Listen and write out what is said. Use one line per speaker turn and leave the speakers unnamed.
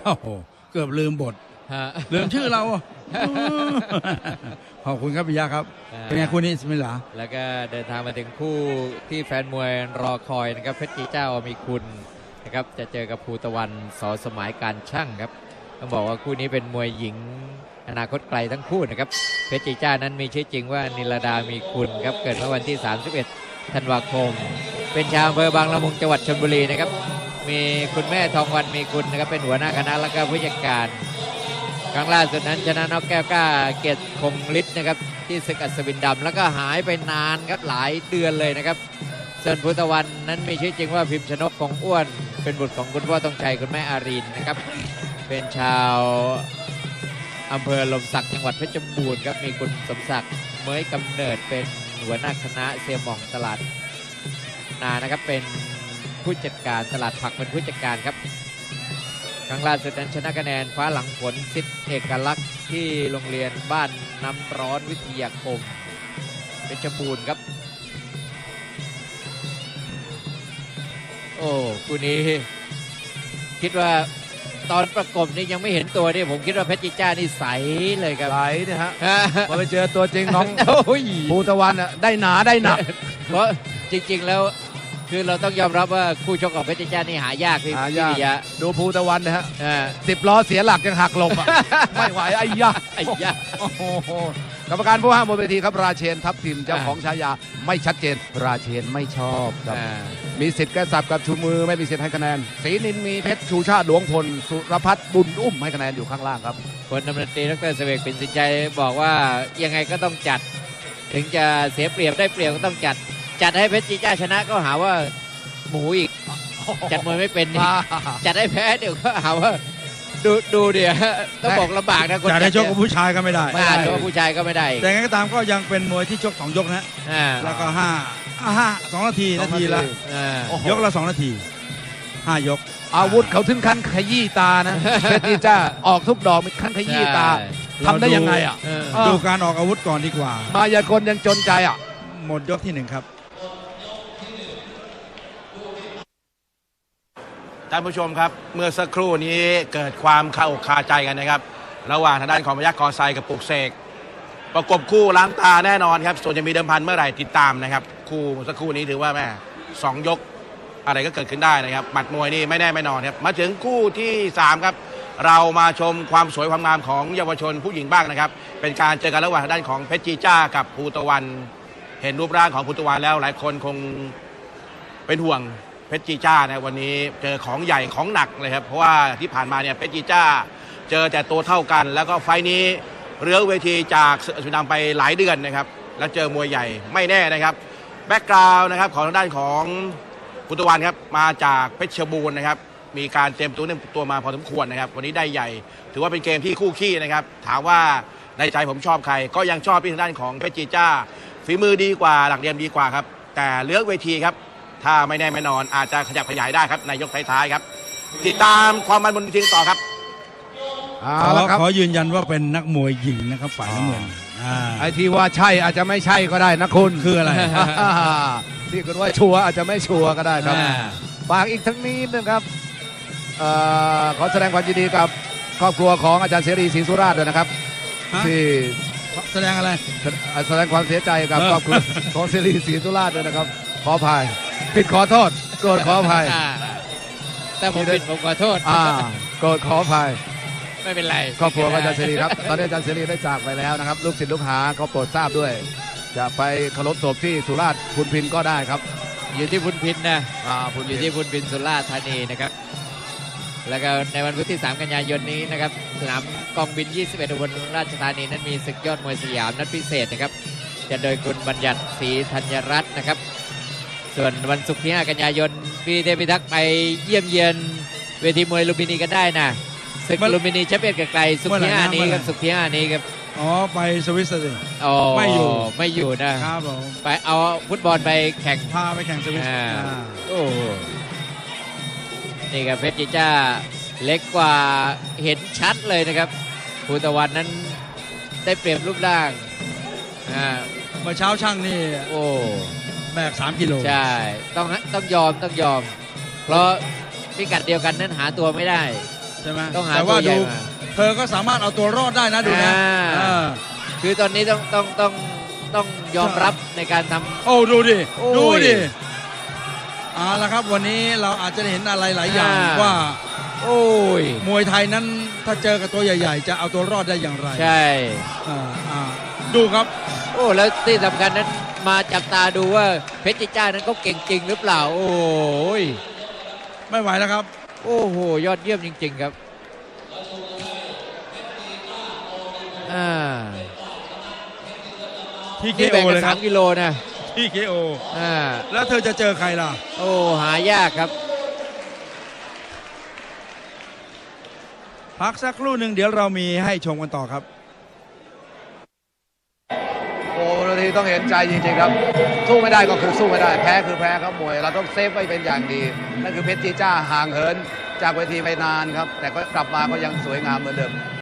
โอ้โหเกือบลืมบท
ฮะ
ลืมชื่อเรา ขอบคุณครับปิยะครับ เป็นไงคู่นี้สมิลา
แล้วก็เดินทางมาถึงคู่ที่แฟนมวยรอคอยนะครับเพชรจีเจ้ามีคุณนะครับจะเจอกับภูตะวันสอสมัยการช่างครับต้องบอกว่าคู่นี้เป็นมวยหญิงอนาคตไกลทั้งคู่นะครับเพชรจีเจ้านั้นมีชื่อจริงว่านิลดามีคุณครับเกิดเมื่อวันที่ 31 ธันวาคม เป็นชาวอำเภอบางละมุงจังหวัดชลบุรีนะครับมีคุณแม่ทองวันมีคุณนะครับเป็นหัวหน้าคณะและก็ผู้จัดการครั้งล่าสุดนั้นชนะน็อกแก้วกล้าเกียรติคงฤทธิ์นะครับที่ศึกอัศวินดำแล้วก็หายไปนานครับหลายเดือนเลยนะครับส่วนภูตะวันนั้นมีชื่อจริงว่าพิมพ์ชนกคงอ้วนเป็นบุตรของคุณพ่อต้องชัยคุณแม่อารีนนะครับเป็นชาวอำเภอลมศักดิ์จังหวัดเพชรบูรณ์ครับมีคุณสมศักดิ์เมยกำเนิดเป็นหัวหน้าคณะเซียหม่องตลาดนานะครับเป็นผู้จัดการตลาดผักเป็นผู้จัดการครับครั้งล่าสุดนั้นชนะคะแนนฟ้าหลังฝนสิทธิเอกลักษณ์ที่โรงเรียนบ้านน้ำร้อนวิทยาคมเพชรบูรณ์ครับโอ้คู่นี้คิดว่าตอนประกบนี่ยังไม่เห็นตัวนี่ผมคิดว่าเพชรจิจ้านี่ใสเลยครับ
ไหลเนี่ยฮะพอไปเจอตัวจริงน้อง
โอ้ย
ภูตะวันอ่ะได้หนาได้หนัก
เพราะจริงๆแล้วคือเราต้องยอมรับว่าคู่ชกของเพชรจิจ้านี่หายากพี่
หายาก
ปิยะ
ดูภูตะวันนะฮะ
อ่า
10 ล้อเสียหลักยังหักหลบอ่ะ ไม่ไหวไอ้ยะ
ไอ้ยะ
โอ้โหกรรมการผู้ห้ามบนเวทีครับราเชนทัพทิมเจ้าของฉายาไม่ชัดเจน ราเชนไม่ชอบครับ
อ่า
มีสิทธิ์แก้สับกับชูมือไม่มีสิทธิ์ให้คะแนนศรีนินมีเพชรชูชาติหลวงพลสุรพัฒน์บุญอุ้มให้คะแนนอยู่ข้างล่างครับ
พลตำรวจตรีดรเสวกปิ่นสินใจบอกว่ายังไงก็ต้องจัด ถึงจะเสียเปรียบได้เปรียบก็ต้องจัด จัดให้เพชรจีจ้าชนะก็หาว่าหมูอีก จัดมวยไม่เป็นนี่จัดให้แพ้เดี๋ยวก็หาว่าดูเดี๋ยวต้องบอกลำบากนะคน
จะได้ชกกับผู้ชายก็ไม่ได้
ไม่ได้ชกกับผู้ชายก็ไม่ได้
แต่ไงก็ตามก็ยังเป็นมวยที่ชก2 ยกนะ
อ่า
แล้วก็2 นาทีละ
อ่า
โอ้โห
ยกละ2 นาที 5 ยก
อาวุธเขาถึงขั้นขยี้ตานะ เพชรจีจ้าออกทุกดอกมีขั้นขยี้ตา
ใช่
ทำได้ยังไงอ่ะ
เออ
ดูการออกอาวุธก่อนดีกว่า
มายากลยังจนใจอ่ะ
หมดยกที่ 1 ครับ
ท่านผู้ชมครับเมื่อสักครู่นี้เกิดความคาอกคาใจกันนะครับระหว่างทางด้านของพยัคฆ์กอไซกับปลุกเสกประกบคู่ล้างตาแน่นอนครับส่วนจะมีเดิมพันเมื่อไหร่ติดตามนะครับคู่เมื่อสักครู่นี้ถือว่าแม่2 ยกอะไรก็เกิดขึ้นได้นะครับหมัดมวยนี่ไม่แน่ไม่นอนครับมาถึงคู่ที่3ครับเรามาชมความสวยความงามของเยาวชนผู้หญิงบ้างนะครับเป็นการเจอกันระหว่างทางด้านของเพชรจีจ้ากับภูตะวันเห็นรูปร่างของภูตะวันแล้วหลายคนคงเป็นห่วงเพชรจีจ้านะวันนี้เจอของใหญ่ของหนักเลยครับเพราะว่าที่ผ่านมาเนี่ยเพชรจีจ้าเจอแต่ตัวเท่ากัน แล้วก็ไฟนี้เรื้อเวทีจากสุดำไปหลายเดือนนะครับแล้วเจอมวยใหญ่ไม่แน่นะครับแบ็กกราวน์นะครับของทางด้านของพุทธวันครับมาจากเพชรบูรณ์นะครับมีการเตรียมตัวมาพอสมควรนะครับวันนี้ได้ใหญ่ถือว่าเป็นเกมที่คู่ขี้นะครับถามว่าในใจผมชอบใครก็ยังชอบที่ทางด้านของเพชรจีจ้าฝีมือดีกว่าหลักเหลี่ยมดีกว่าครับแต่เลือกเวทีครับถ้าไม่แน่ไม่นอนอาจจะขยับขยายได้ครับในยกท้ายๆครับติดตามความมันบนเวทีต่อครับ
เอาละครับ
ขอยืนยันว่าเป็นนักมวยหญิงนะครับฝ่ายน้ำเงิน
ไอ้ที่ว่าใช่อาจจะไม่ใช่ก็ได้นะคุณ
คืออะไร
ที่คุณว่าชัวร์อาจจะไม่ชัวร์ก็ได้ครับ
อ่า
ฝากอีกทั้งนี้นะครับขอแสดงความยินดีกับครอบครัวของอาจารย์เสรีศรีสุราษฎร์ด้วยนะครับ
ฮะ
ที่
แสดงอะไร
แสดงความเสียใจกับครอบครัวของเสรีศรีสุราษฎร์ด้วยนะครับ ขออภัยผิดขอโทษโกรธขออภัย
อ่าแต่ผมผิดผมขอโทษ
โกรธขออภัย
ไม่เป็นไร
ครอบครัวของอาจารย์เสรีครับ ตอนนี้อาจารย์เสรีได้จากไปแล้วนะครับ ลูกศิษย์ลูกหาเขาโปรดทราบด้วย จะไปเคารพศพที่สุราษฎร์พุนพินก็ได้ครับ
อยู่ที่พุนพินนะ
พุน
อ
พิ
ยู่
น
ที่พุนพินสุราษฎร์ธานีนะครับ แล้วก็ในวันพุธที่ 3 กันยายนนี้นะครับสนามกองบิน 21 อุบลราชธานีนั้นมีศึกยอดมวยสยามนัดพิเศษนะครับจะโดยคุณบัญญัติศรีธัญรัตน์นะครับ ส่วนวันศุกร์ที่ 5 กันยายนพี่เทพิทักษ์ไปเยี่ยมเยียนเวทีมวยลุมพินีกันได้นะศึกลุมพินีแชมเปี้ยนไกลๆศุกร์ที่ 5 นี้ครับศุกร์ที่ 5 นี้ครับ
อ๋อไปสวิตเซอร์แลนด์
อ๋อ
ไม่อยู่
ไม่อยู่นะครับ
ผม
ไปเอาฟุตบอลไปแข่ง
พาไปแข่งสวิต
โอ้โหนี่ครับเพชรจีจ้าเล็กกว่าเห็นชัดเลยนะครับภูตะวันนั้นได้เปรียบรูปร่าง
เมื่อเช้าช่างนี่
โอ้
แบก3 กิโล
ใช่ต้องยอม เพราะพิกัดเดียวกันนั้นหาตัวไม่ได้
ช่ไหม
ต้องหา
แต่ว่า
ตัวใหญ่
ดู
มา
เธอก็สามารถเอาตัวรอดได้นะดูนะ
อ่า คือตอนนี้ต้องยอมรับในการทำ
โอ้ดูดิ
โอ้ย
ดูดิเอาละครับวันนี้เราอาจจะได้เห็นอะไรหลายอย่าง
อ่า
ว่า
โอ้ย
มวยไทยนั้นถ้าเจอกับตัวใหญ่ ๆ จะเอาตัวรอดได้อย่างไร
ใช่
ดูครับ
โอ้แล้วที่สำคัญนั้นมาจับตาดูว่าเพชรจิจ้านั้นเขาเก่งจริงหรือเปล่า โอ้ย
ไม่ไหวแล้วครับ
โอ้โหยอดเยี่ยมจริง ๆ ครับอ่า
ที่เค
นี่
โอ
แบ่งกั
เล
น
ยครับ
3 กิโลนะ
ที่เคโอ
อ่า
แล้วเธอจะเจอใครล่ะ
โอ้หายากครับ
พักสักครู่หนึ่งเดี๋ยวเรามีให้ชมกันต่อครับ
โอ้นาทีต้องเห็นใจจริงๆครับ สู้ไม่ได้ก็คือสู้ไม่ได้แพ้คือแพ้ครับมวยเราต้องเซฟไว้เป็นอย่างดีนั่นคือเพชรจีจ้าห่างเหินจากเวทีไปนานครับ แต่ก็กลับมาก็ยังสวยงามเหมือนเดิม